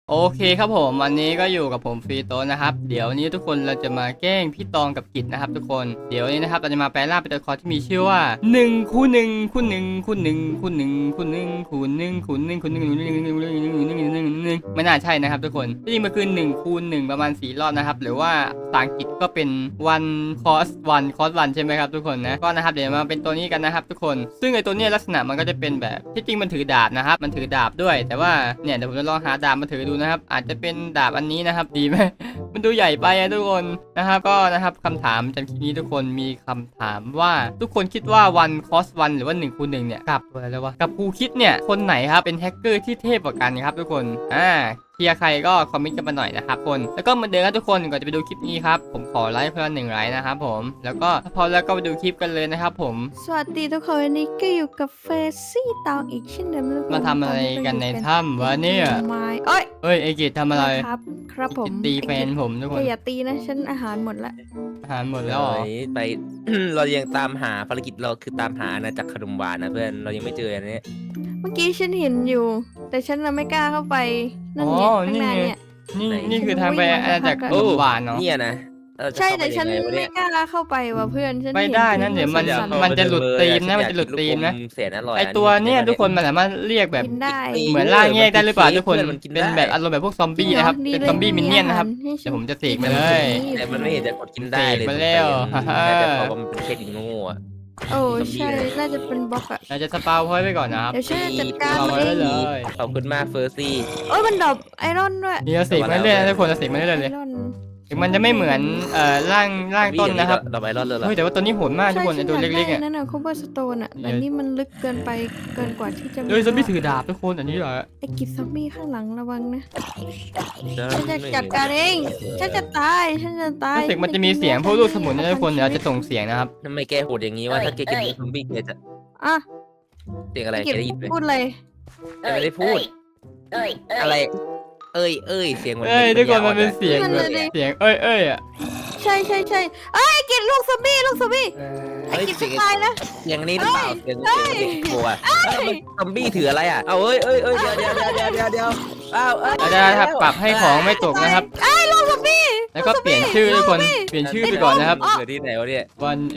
โอเคครับผมวันนี้ก็อยู่กับผมฟรีโตนะครับเดี๋ยวนี้ทุกคนเราจะมาแกล้งพี่ตองกับกิจนะครับทุกคนเดี๋ยวนี้นะครับเราจะมาแปลร่างเป็นตัวละครที่มีชื่อว่า1 คูณ 1 คูณ 1 คูณ 1 คูณ 1 คูณ 1 คูณ 1 คูณ 1 คูณ 1 คูณ 1ไม่น่าใช่นะครับทุกคนที่จริงมันคือ1 คูณ 1ประมาณ4 รอบนะครับหรือว่าภาษาอังกฤษก็เป็น one cos 1 ใช่ไหมครับทุกคนนะก็นะครับเดี๋ยวมาเป็นตัวนี้กันนะครับทุกคนซึ่งไอตัวนี้ลักษณะมันก็จะเป็นแบบที่จริงมันถือดาบนะครับมันถือดาบด้วยแต่ว่าเนี่ยเดี๋ยวผมจะลองหาดาบมาถือดูนะครับอาจจะเป็นดาบอันนี้นะครับดีไหม มันดูใหญ่ไปอะทุกคนนะครับก็นะครับคำถามจำคลิปนี้ทุกคนมีคำถามว่าทุกคนคิดว่า1 cos 1หรือว่า1 คูณ 1เนี่ยกับอะไรแล้ววะกับครูคิดเนี่ยคนไหนครับเป็นแฮกเกอร์ที่เทพกว่ากันครับทุกคนเชียร์ใครก็คอมเมนต์กันมาหน่อยนะครับคนแล้วก็เหมือนเดิมครับทุกคนก่อนจะไปดูคลิปนี้ครับผมขอไลค์เพื่อน1 ไลค์นะครับผมแล้วก็พอแล้วก็ไปดูคลิปกันเลยนะครับผมสวัสดีทุกคนวันนี้ก็อยู่กับเฟซี่ตองอีกเช่นเดิมทุกคนมาทำอะไรกันในถ้ำวะเนี่ยเอ้ยเอ้ยไอกิจทำอะไรครับผมตีแฟนผมทุกคนอย่าตีนะฉันอาหารหมดละอาหารหมดแล้วเหรอไป เรายังตามหาภารกิจเราคือตามหาอาณาจักรขนมหวานนะเพื่อนเรายังไม่เจออันนี้เมื่อกี้ฉันเห็นอยู่ แต่ฉันไม่กล้าเข้าไปนั่นไงข้างในเนี่ยนี่คือทางไปอาณาจักรขนมหวานเนาะเนี่ยนะใช่แต่ฉันไม่กล้าเข้าไปว่ะเพื่อนฉันไม่ได้นั่นเดี๋ยวมันจะหลุดตีมนะมันจะหลุดตีมนะไอตัวเนี่ยทุกคนมันสามารถเรียกแบบเหมือนล่างแยกได้หรือเปล่าทุกคนเป็นแบบอารมณ์แบบพวกซอมบี้นะครับเป็นซอมบี้มินเนี่ยนนะครับเดี๋ยวผมจะเสกมาเลยแต่มันไม่เห็นจะกดกินได้เลยมาแล้วแต่พอมันเป็นแค่ดินโง่อะโอ้ใช่น่าจะเป็นบล็อกอะเราจะสปาวพอยต์ไปก่อนนะครับเดี๋ยวฉันจัดการเลยขอบคุณมากเฟอร์ซี่โอ้ยมันดรอปไอรอนด้วยนี่เราเสกมาเรื่อยๆทุกคนเราเสกมาเรื่อยๆเลยถึงมันจะไม่เหมือนร่างต้นนะครับดอกไม้รอดเลยแต่ว่าตัวนี้โหดมากทุกคนไอตัวเล็กๆอ่ะนั่นน่ะคูเบอร์สโตนอ่ะแต่นี่มันลึกเกินไปเกินกว่าที่จะซอมบี้ถือดาบทุกคนอันนี้เหรอไอกิจซอมบี้ข้างหลังระวังนะฉันจะจัดการเองฉันจะตายรู้สึกมันจะมีเสียงพวกลูกสมุนนะทุกคนเดี๋ยวจะส่งเสียงนะครับทำไมแกโหดอย่างนี้ว่าถ้าแกกินซอมบี้แกจะเสียงอะไรแกได้ยินไหมพูดเลยไม่ได้พูดอะไรเอ้ยเสียงมันทุกคนมันเป็นเสียงแบบเสียงเอ้ยอ่ะใช่ไอ้กินลูกซอมบี้ไอ้กินจะตายนะอย่างนี้หรือเปล่าเสียงโง่อะซอมบี้ถืออะไรอ่ะเอาเอ้ยเดี๋ยวถ้าปรับให้ของไม่ตกนะครับลูกซอมบี้แล้วก็เปลี่ยนชื่อทุกคนเปลี่ยนชื่อไปก่อนนะครับเกิดที่ไหนวะเนี่ย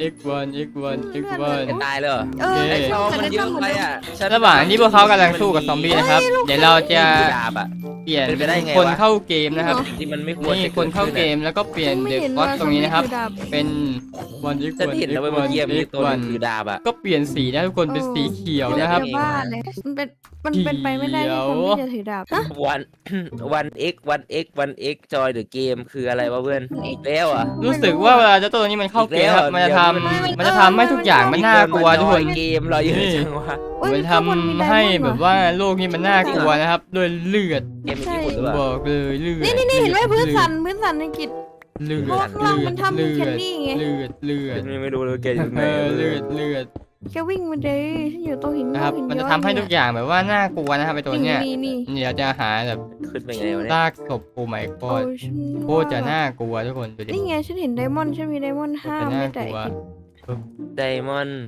1x1 ตายเลยไอ้ชอบมันเยอะไปอ่ะระหว่างที่พวกเขากำลังสู้กับซอมบี้นะครับเดี๋ยวเราจะเปลี่ยนคนเข้าเกมนะครับที่มันไม่ควรนี่คนเข้าเกมแล้วก็เปลี่ยนเด็กวอตตรงนี้นะครับเป็น1x1 จะเห็นแล้วว่าเยี่ยมมีตัวถือดาบอ่ะก็เปลี่ยนสีนะทุกคนเป็นสีเขียวนะครับมันเป็นไปไม่ได้ที่คนที่จะถือดาบวัน x จอยเดอะเกมคืออะไรวะเพื่อนอีกแล้วอ่ะรู้สึกว่าเวลาเจ้าตัวนี้มันเข้าเกมครับมันจะทำให้ทุกอย่างมันน่ากลัวทุกคนเกมเราเยอะจังวะมันทำให้แบบว่าโลกนี้มันน่ากลัวนะครับด้วยเลือดบอกเลยเลือดนี่เห็นไหมพื้นสันในกิจเลือดมันทำแค่นี้ไงเลือดไม่รู้เลยแกอยู่ไหนเลือดแกวิ่งมาเลยฉันอยู่ตรงหินนะครับมันจะทำให้ทุกอย่างแบบว่าน่ากลัวนะครับไอตัวเนี้ยเดี๋ยวจะหาแบบขึ้นไปไงวะเนี่ยซากศพโอ้ไม่ก็โคตรจะน่ากลัวทุกคนดูดินี่ไงฉันเห็นไดมอนด์ฉันมีไดมอนด์5ไม่แต่ไดมอนด์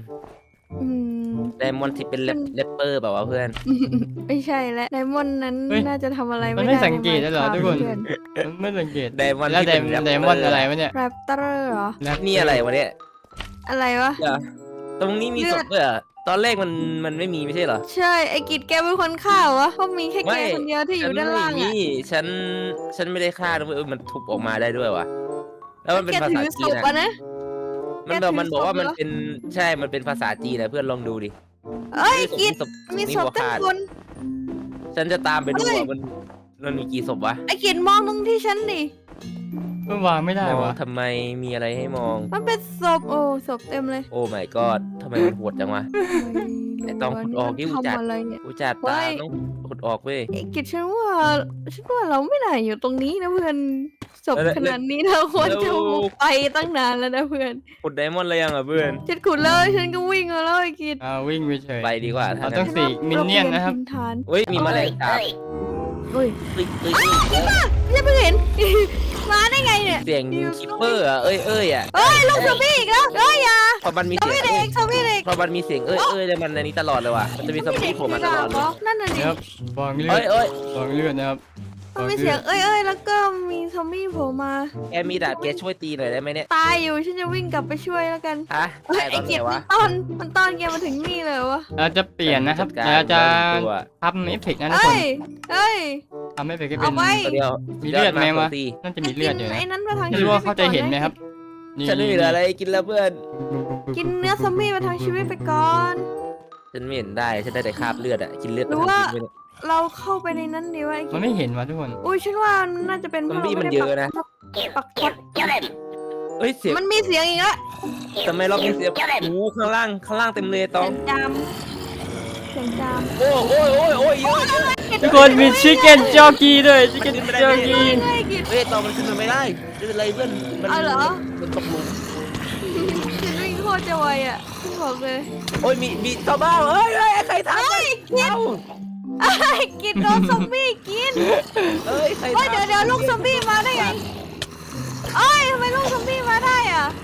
ที่เป็นแรปเปอร์แบบว่าเพื่อนไม่ใช่แล้วไดมอนด์นั้นน่าจะทำอะไรไม่ได้มันไม่สังเกตเหรอทุกคนไม่สังเกตไดมอนด์แล้วไดมอนด์อะไรวะเนี่ยแรปเตอร์เหรอนี่อะไรวะเนี่ยอะไรวะตรงนี้มีศพด้วยอ่ะตอนแรกมันไม่มีไม่ใช่เหรอใช่ไอ้กิจแกเป็นคนฆ่าวะเพราะมีแค่แกคนเดียวที่อยู่ด้านล่างอ่ะฉันไม่ได้ฆ่านะมันทุบออกมาได้ด้วยวะแล้วมันเป็นภาษาจีนนะมันบอกว่ามันเป็นใช่มันเป็นภาษาจีนนะเพื่อนลองดูดิเอ้ยกิจมีศพตั้งคนฉันจะตามไปดูว่ามันมีกี่ศพวะไอ้กิจมองตรงที่ฉันดิมันวางไม่ได้วะทำไมมีอะไรให้มองมันเป็นศพโอ้ศพเต็มเลยโอ้ my god ทำไมมันโหดจังวะไอ้ต้องขุดออกที่อุจจาระตาต้องขุดออกเว้ยกิจฉันว่าเราไม่ได้อยู่ตรงนี้นะเพื่อนศพขนาดนี้เราควรจะไปตั้งนานแล้วนะเพื่อนขุดไดมอนด์อะไรยังอ่ะเพื่อนฉันขุดแล้วฉันก็วิ่งแล้วไอ้กิจวิ่งไปเฉยไปดีกว่าเราต้องสีมินเนี่ยนนะครับเฮ้ยมีแมลงสาบเฮ้ยฉันเพิ่งเห็นมาได้ไงเนี่ยเสียงคิปเปอร์อ่ะเอ้ยอ่ะลูกซอมบี้อีกแล้วอย่าพอมันมีเสียงซอมบี้เด็กพอมันมีเสียงแล้วมันในนี้ตลอดเลยว่ะมันจะมีซอมบี้โผล่มาตลอดเลยนั่นน่ะดิครับวางเลือดนะครับมันมีเสียงเอ้ยแล้วก็มีซอมบี้โผล่มาแกมีดาบแกช่วยตีหน่อยได้ไหมเนี่ยตายอยู่ฉันจะวิ่งกลับไปช่วยแล้วกันฮะเฮ้ยตายตไอ้อนไหนกิจวะมันต้อนแกมาถึงนี่เลยวะเราจะเปลี่ยนนะครับจัดการเราจะตัวทำเอฟเฟกต์นะทุกคเอ้นยเอ้ยทำเอฟเฟกต์ให้เป็เอานไว้ตัวเดียวมีเลือดไหมวะตีน่าจะมีเลือดอยู่นะไอ้นั้นมาทางไม่รู้ว่าเขาจะเห็นไหมครับนี่ฉันไม่เหลืออะไรกินแล้วเพื่อนกินเนื้อซอมบี้มาทางชีวิตไปก่อนฉันไม่เห็นได้ฉันได้แต่คราบเลือดอะกินเลือดหรือว่า เราเข้าไปในนั้นดีวะไอ้มักินจไม่เห็นว่ะทุกคนอุ้ยฉันว่ามันน่าจะเป็นซอมบี้มันเยอะนะปักท็อตเฮ้ยเสียงมันมีเสียงอีกแล้วทำไมรอบนี้เสียงโอ้ข้างล่างเต็มเลยตเสีอย งงจามเสียงจามโอ้ยเยอะทุกคนมีชิคเก้นจอกี้ด้วยชิคเก้นจอกี้เฮ้ยกิจเฮ้ยตองมันขึ้นมาไม่ได้ไม่เป็นไรเพื่อนมันเอาเหรอมันตกหลุมฉันวิ่งโคตรจะไวอ่ะฉันบอกเลยโอ้ยมีชาวบ้านเฮ้ยใครทำเฮ้ยกินเอ้าไอ้กินโดนซอมบี้กินเฮ้ยใครเฮ้ยทำเดี๋ยวลูกซอมบี้มาได้ไงเอ้ยทำไมลูกซอมบี้มาได้อ่ะ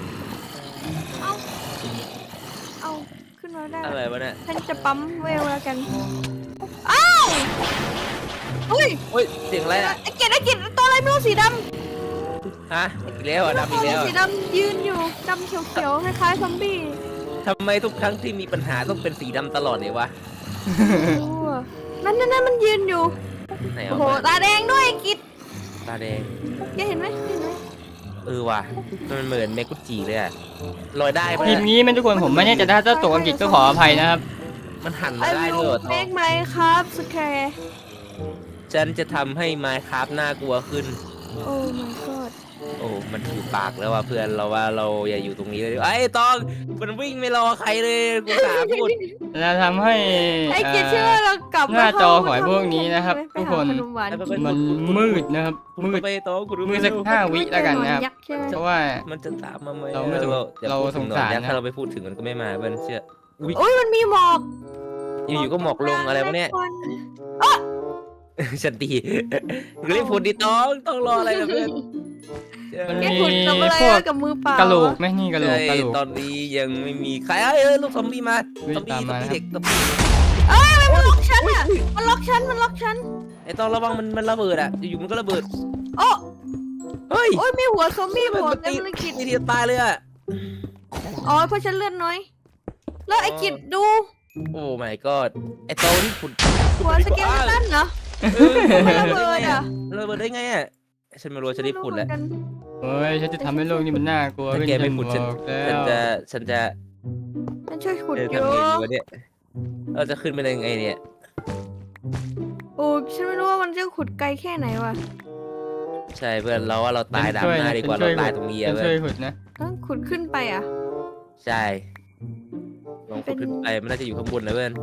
เอาขึ้นมาได้อะไรวะเนี่ยฉันจะปั๊มเวลแล้วกันอ้าวเฮ้ยโอ้ยเสียงอะไรอะไอ้กินตัวอะไรไม่รู้สีดฮะอีกแล้วำอ่ะดำอีกแล้วสีดำยืนอยู่ดำเขียวๆคล้ายๆซอมบี้ทำไมทุกครั้งที่มีปัญหาต้องเป็นสีดำตลอดเลยวะโอ้นั่นมันยืนอยู่ไหนโอ้เอาโหมาตาแดงด้วยไอ้กิดตาแดงแกเห็นไหมว่ะมันเหมือนเมกุจิเลยอะลอยได้ปะทีมนี้ไม่ทุกคนผมไม่แน่ใจถ้าตกอังกฤษก็ขออภัยนะครับมันหันไอ้มาได้ลูด้วยเหรกอเมกไหมครับสแคร์ฉันจะทำให้ไมค์ครับน่ากลัวขึ้นโอ้ my god โอ้ มันถูกปากแล้วว่ะเพื่อนเราว่าเราอย่าอยู่ตรงนี้เลยไอ้ตองมันวิ่งไม่รอใครเลยกูสาพูดเราทำให้ไอ้กิดเชื่อว่าเรากลับหน้าจอของไอ้พวกนี้นะครับไปทุกหาคนขนมหวานกินมันมืดนะครับคุณมืดไปตองคุณมืดสัก5 วิแล้วกันนะครับยักษ์ใช่ไหมเพราะว่ามันจะตามมาไหมเราไม่สงอย่เราพูดถึสงหน่อยสารนะนะถ้าเราไปพูดถึงมันก็ไม่มาเพื่อนเชื่อโอ้ยมันมีหมอกอยู่ๆก็หมอกลงอะไรวะเนี่ยควันฉันตีรีบพูดดิต้องรออะไรนะเพื่อนมันแกมีขุดกับอะไรพวกกับมือเปล่ากะโหลกไหมนี่กะโหลกใช่กะโหลกตอนนี้ยังไม่มีใครลูกซอมบี้มาวิ่งซอมบี้ตามมาเด็กซอมบี้เอ้ยมันล็อกฉันอ่ะมันล็อกฉันไอ้ต้องระวังมันระเบิดอ่ะอยู่ๆมันก็ระเบิดโอ้เฮ้ยโอ้ยมีหัวซอมบี้โผล่มันเต็ตีมเลยกิดทีเดียวตายเลยอ่ะอ๋อเพราะฉันเลือดน้อย แล้วไอ้กิดดูโอ้ my god ไอ้โตนี่ขุดหัวสเกเลตันเหรอ มันระเบิดอ่ะระเบิดได้ไงอ่ะฉันไม่รู้ว่าฉันรีบขุดแหละไม่รู้เหมือนกันเฮ้ยฉันจะทำให้โลกนี้มันน่ากลัวถ้าขึ้นแกไม่ขุดฉัฉันนบอกแล้ฉันวจะฉันช่วยขุดอทำยู่ไงดีวะเนี่ยเราจะขึ้นไปได้ไงเนี่ยโอ้ฉันไม่รู้ว่ามันจะขุดไกลแค่ไหนวะใช่เพื่อนเราว่าเราตายดำหน้าดีกว่าเราตายตรงนี้ฉัอะนเพื่ช่วยอนขุดนะต้องขุดขึ้นไปอ่ะใช่ลองขุดขึ้นไปมันน่าจะอยู่ข้างบนนะเพื่อน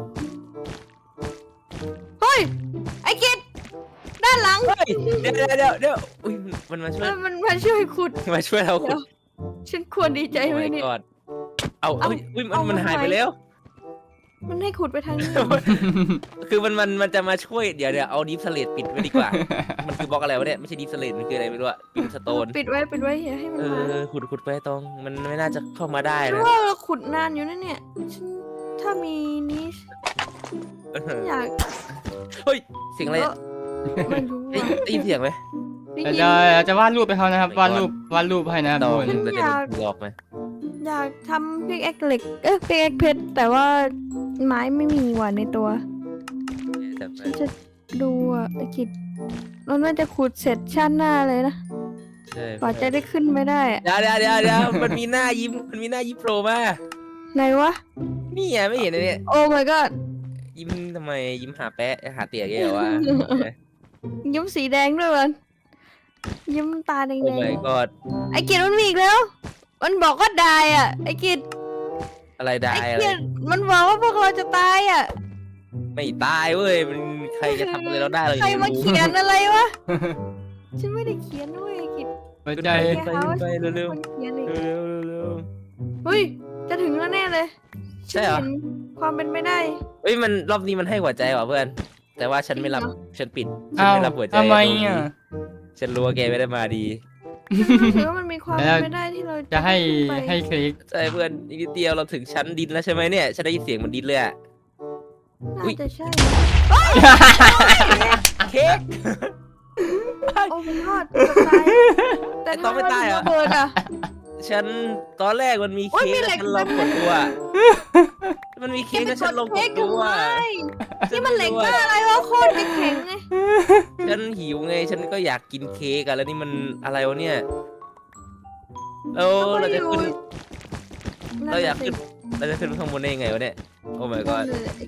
เฮ้ย ไอ้กิดด้านหลังเฮ้ยเดี๋ยวอุ้ยมันมาช่วยมันมาช่วยขุดมาช่วยเราขุดฉันควรดีใจไหมโอ้เนี่ยกอดเอาอุ้ยมันหายไปแล้วมันให้ขุดไปทางนี้คือมันจะมาช่วยเดี๋ยวเอาดิฟสเลตปิดไว้ดีกว่า มันคือบล็อกอะไรวะเนี่ยไม่ใช่ดิฟสเลตมันคืออะไรไม่รู้อะปินสโตนปิดไว้อย่าให้มันมาขุดไปตรงมันไม่น่าจะเข้ามาได้ฉันนะว่าเราขุดนานอยู่นะเนี่ยฉันถ้ามีนี้ฉันอยากเฮ้ยเสียงอะไรอะไม่รู้ได้อ่ะได้ยินเสียงไหมได้เรายินจะวาดรูปไปเขานะครับ วาดรูปให้นะครับตทุอกคน นเราจะโดนหลอกไหมอยากทำพิกแอคเหล็กพิกแอคเพชรแต่ว่าไม้ไม่มีว่ะในตัวแต่ฉันจะดูอ่ะไอ้กิจเราน่าจะขุดเสร็จชาติหน้าเลยนะใช่กว่าจะได้ขึ้นไม่ได้อะเดี๋ยวมันมีหน้ายิ้มโผล่มาไหนวะนี่ไงไม่เห็นเลยเนี่ยโอ้ my god ยิ้มทำไมยิ้มหาแปะหาเตี๋ยแกเหรอวะยิ้มสีแดงด้วยมันยิ้มตาแดโอ้ง my god ๆไอ้กิจมันมีอีกแล้ว มันบอกว่าตายอ่ะไอ้กิจอะไรได้ไอ้อะไรกิจมันบอกว่าพวกเราจะตายอ่ะไม่ตายเว้ยมันใครจะทำอะไรเราได้เราใครยังมาไม่รู้เขียนอะไรวะ ฉันไม่ได้เขียนด้วยไอ้กิจหัวใจไปเร็วมันเขียนอีกเร็วเฮ้ยจะถึงแล้วแน่เลยใช่เหรอฉันนความเป็นไม่ได้เฮ้ยมันรอบนี้มันให้หัวใจว่ะเพื่อน แต่ว่าฉันไม่รับจริงเหรอฉันปิดฉันอ้าวไม่รับหัวใจทำไมอ่ะฉันรู้ว่าแกไม่ได้มาดีหรือว่ามันมีความเป็นไม่ได้ที่เราจะให้ไปให้คลิกใช่เพื่อนอีกนิดเดียวเราถึงชั้นดินแล้วใช่ไหมเนี่ยฉันได้ยินเสียงมันดินเลยอะน่าจะใช่เค้กายโอ้ไม่รอดเกือบตายแต่ไอ้ตองไม่ตายเหรอระเบิดอ่ะฉันตอนแรกมันมีโอ๊ยเค้มีกเหล็แล้วกฉันลองกดตัวมันมีเค้กแล้วฉันลองกดตัวนี่มันเหล็กบ้าอะไรวะโคตรแข็งไงฉันหิวไงฉันก็อยากกินเค้กอะแล้วนี่มันอะไรวะเนี่ยเราจะขึ้นเราอยากขึ้นเราจะขึ้นข้างบนได้ยังไงวะเนี่ยโอ้ my god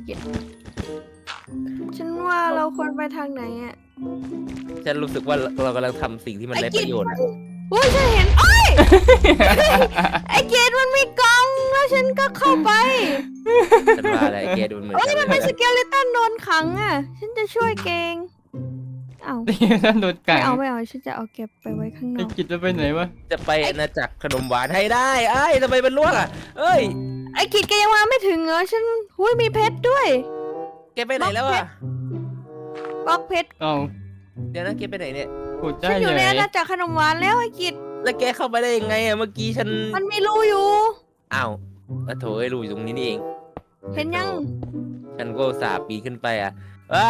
ฉันว่าเราควรไปทางไหนอ่ะฉันรู้สึกว่าเรากำลังทำสิ่งที่มันไร้ประโยชน์อะโอ้ยฉันเห็นโอ้ย ไอเกดมันมีกล่องแล้วฉันก็เข้าไปฉันว่าอะไรแกดูเหมือนเอ้ยกันมันเป็นสเกเลตันโดนขังอ่ะ ฉันจะช่วยเกงเอาท่านโดนกัไม่งเอาฉันจะเอาเก็บไปไว้ข้างนไอ้อกกิจจะไปไหนวะจะไปอาณาจักรขนมหวานให้ได้ไอ้ยทำไมมันล่วงอ่ะเอ้ยไอกิดแกยังมาไม่ถึงเหรอฉันหุ้ยมีเพชรด้วยแกไปไหนแล้วอ่ะบล็อกเพชรเอ้าเดี๋ยวนะแกไปไหนเนี่ยขุดได้ฉันอยู่เลในยอาณาจักรขนมหวานแล้วไอกิดแล้วแกเข้าไปได้ยังไงอ่ะเมื่อกี้ฉันมันมีรูอยู่อ้าวโถเอ้ยรู้อยู่ตรงนี้นี่เองเห็นยังฉันก็อุตสาห์ปีนขึ้นไปอ่ะว้าว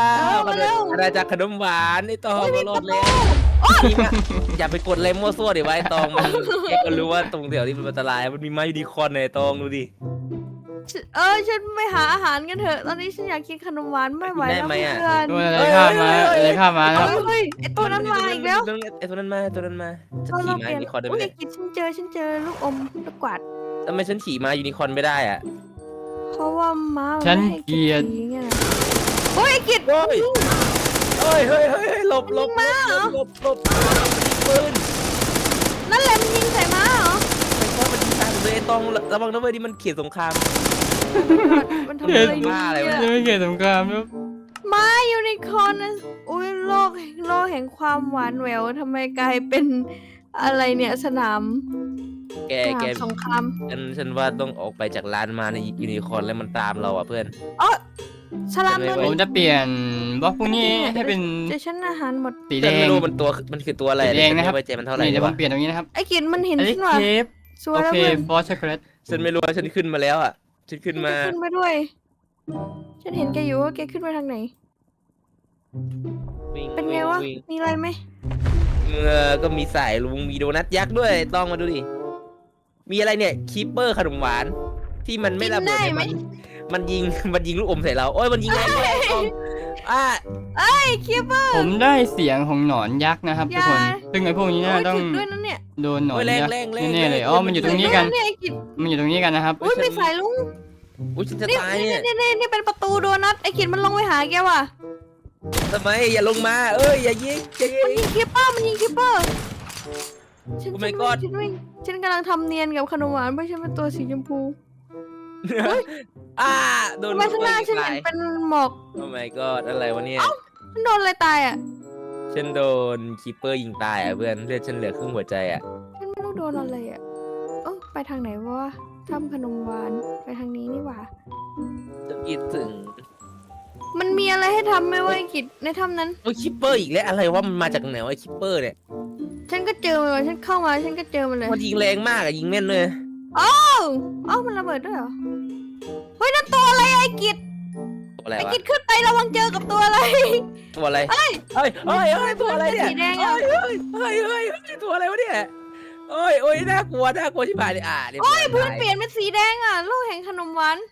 มาเร็วอาณาจักรขนมหวานไอ้ตองก็รอดแล้วนี่นะอย่าไปกดอะไรมั่วซั่วดิวะไอ้ตองมันแกก็รู้ว่าตรงแถวนี้มันอันตรายมันมีไม้ยูนิคอร์นในไอ้ตองดูดิฉันไปหาอาหารกันเถอะ ตอนนี้ฉันอยากกินขนมหวานไม่ไหวแล้วได้ไหมอะเพื่อนโดนอะไรข้ามมาอะไรข้ามมานะครับเฮ้ยไอตัวนั้นมาอีกแล้วไอ้ตัวนั้นมาตัวนั้นมาฉันเราขี่เปม้าลี่ยนยูนิคอร์นได้ไหมอุ้ยเนี่ยกิดฉันเจอลูกอมลูกกวาดทำไมฉันขี่ม้ายูนิคอร์นไม่ได้อ่ะเพราะว่าม้ามัฉันไม่ให้เกลียดขี่ไงนะโอ้ยไอกิดโอ้ย เฮ้ยเฮ้ยเฮ้ยเฮ้ยหลบหลบมันยิงม้าเหรอหลบหลบปืนนั่นแหละมันยิงใส่ม้าเหรอไอ้ตองมันยิงตามเลยไอ้ตองระวังนะเว้ยนี่มันเขียนสงครามมันทำอะไรอยู่บ้าอะไรวะยังไม่เกิดสงครามครับม้ายูนิคอร์นนะอุ้ยโลกแห่งความหวานแหววทำไมกลายเป็นอะไรเนี่ยสนามแกสงครามฉันว่าต้องออกไปจากร้านมาในยูนิคอร์นแล้วมันตามเราอ่ะเพื่อนสลามตัวผมนี้จะเปลี่ยนบล็อกพวกนี้ให้เป็นเดี๋ยวฉันอาหารหมดสีแดฉันงไม่รู้มันคือตัวอะไรสีแดงนะครับฉัไม่ไว้ใจมันเท่าไหร่นี่เลเดี๋ยยวผมวะเปลี่ยนตรงนี้นะครับไอ้กินมันเห็นอันนี้ฉันว่ะเคฟสวโอยแล้วเคเพื่อนฟอสช็อกโกแลตฉันไม่รู้ว่าฉันขึ้นมาแล้วอ่ะฉันขึ้นมาขึ้นมาด้วย ฉันเห็นแกอยู่ว่าแกขึ้นมาทางไหนวิ่เป็นไงวะวิ่มีอะไรไหมก็มีสายลุงมีโดนัทยักษ์ด้วยต้องมาดูดิมีอะไรเนี่ยคีปเปอร์ขนมหวานที่มันไม่ระเบิดเนี่ยมันยิงมันยิงลูกอมใส่เราโอ้ยมันยิงแรงด้วยต้องไอ้คิปเปอร์ผมได้เสียงของหนอนยักษ์นะครับทุกคนอย่าซึ่งไอ้พวกนี้น่าต้องถึงด้วยนั่นเนี่ยโดนหนอนโอ้ยแรงยักษ์แรงแรงแน่ๆเลยอ๋อมันอยู่ตรงนี้กันเนี่ยไอ้กิดมันอยู่ตรงนี้กันนะครับอุ้ยมีสายลุงอุ้ยฉันจะนี่ตายเนี่ยนี่เป็นประตูโดนัทไอ้กิดมันลงไปหาแกว่ะทำไมอย่าลงมาเอ้ยอย่ายิงอย่ายิมันงยิงคิปเปอร์ฉัน Oh my god ฉันกำลังทำเนียนกับขนมหวานเพราะฉันเป็นตัวสีชมพูโดนทำไมข้างหน้าฉันเห็นเป็นหมอกโอ้ my god อะไรวะเนี่ยฉันโดนอะไรตายอ่ะฉันโดนคีปเปอร์ยิงตายอ่ะเพื่อนเลือดฉันเหลือครึ่งหัวใจอ่ะฉันไม่รู้โดนอะไรอ่ะไปทางไหนวะทำขนมหวานไปทางนี้นี่หว่าจะคิดถึงมันมีอะไรให้ทำไหมวะไอ้กิจในถ้ำนั้นโอ้ยคิปเปอร์อีกแล้วอะไรวะมันมาจากไหนวะคิปเปอร์เนี่ยฉันก็เจอมันว่ะฉันเข้ามาฉันก็เจอมันเลยมันยิงแรงมากอะยิงแม่นเลยเอ้ามันระเบิดด้วยเหรอ เฮ้ยนั่นตัวอะไรอะไอ้กิจตัวอะไรไอ้วะกิจขึ้นไประวังเจอกับตัวอะไรตัวอะไรเฮ้ยตัวอะไรเนี่ยสีแดงอะเฮ้ยตัวอะไรวะเนี่ยโอ้ยน่ากลัวชิบหายเลยเดี๋ยวพื้นเปลี่ยนเป็นสีแดงอ่ะโลกแห่งขนมหวาน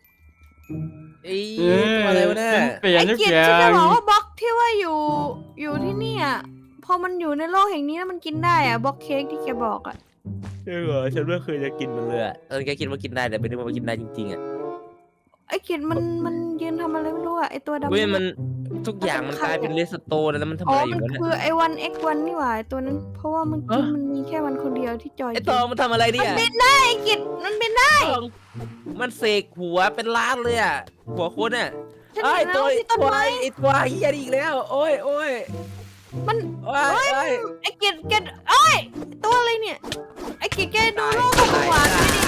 ตัวอะไรวะเนี่ยเปลี่ยนไอ้ทุกกิจอย่าฉันจะงบอกว่าบล็อกที่ว่าอยู่ที่นี่อ่ะพอมันอยู่ในโลกแห่งนี้แล้วมันกินได้อ่ะบล็อกเค้กที่แกบอกอ่ะฉันไม่เคยจะกินมันเลยแกคิดว่ากินได้แต่ไม่ได้ว่ากินได้จริงๆอ่ะไอ้กิจมันยืนทำอะไรไม่รู้อ่ะไอ้ตัวดำเว้ยมันทุกอย่างมันกลายเป็นเลสโตนแล้วมันทำอ๋อะอไรอมันยู่วะเนี่ยคือไอ้วัน X1 นี่หว่าไอ้ตัวนั้น เพราะว่าเมื่อกี้มันมีแค่วันคนเดียวที่จอยไอตองมันทำอะไรมัเนี่นยบินได้ไอ้กิจมันบินได้มันเสกหัวเป็นล้านเลยอ่ะหัวคนอ่ะฉันไอ้เห็นตัแล้ว วที่ต้นไม้ไอ้ตัวเฮียนี่อีกแล้ว โอ้ยมันโอ้ยไอ้กิจเอ้ยตัวอะไรเนี่ย ไอ้กิจแกดูโลกของหวานไม่ดิ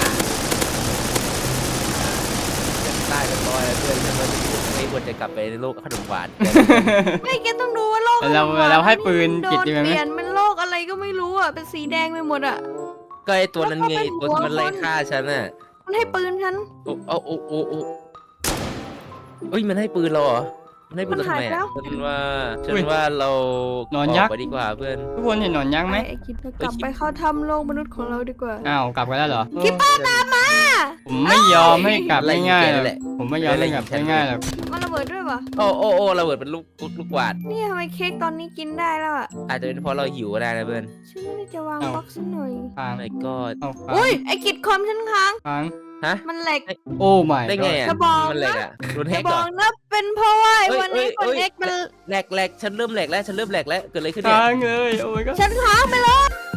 ตายเป็นร้อยแล้วเพื่อนฉันว่าไม่ควรจะกลับไปในโลกขนมหวานไม่แกต้องดูว่าโลกของเราให้ปืนโดกิจนดีไหมเปลี่ยนเป็นโลกอะไรก็ไม่รู้อ่ะเป็นสีแดงไปหมดอ่ะก็ไอตัวนั้นไงตัวที่มันไล่ฆ่าฉันน่ะมันให้ปืนฉันโอ้เฮ้ยมันให้ปืนเราเหรอมันให้พูดทำไมมันหายไปแล้อ่ะวฉันว่าเราหนอนยักษ์กไปดีกว่าเพื่อนทุกคนเห็นหนอนยักษ์ไหมไอ้คิดเรากลับไปเข้าถ้ำโลกมนุษย์ของเราดีกว่าอ้าวกลับกันแล้วเหรอคิปเปอร์ตามมาผมไม่ยอมให้กลับง่ายๆหรอกแหละผมไม่ยอมให้กลับง่ายๆหรอกมันระเบิดด้วยปะโอ้ระเบิดเป็นลูกกวาดนี่ทำไมเค้กตอนนี้กินได้แล้วอ่ะอาจจะเป็นเพราะเราหิวก็ได้นะเพื่อนฉันไม่ได้จะวางบล็อกสักหน่อยค้างไม่ก็เอาค้างอุ้ยไอ้กิดคอมฉันค้างค้างฮะมันแหลกโอ้ my ได้ไงอ่ะจะบอกมันแหลกนะอ่ะโดนจะแฮกบก่ออก นนะเป็นเพราะว่าไอ้เอ้ยวันนี้เอ้คนยเอ็กมันแหลกฉันเริ่มแหลกแล้วเกิดอะไรขึ้นเนี่ยค้างเลยโอ้ my god ฉันค้างไปแล้ว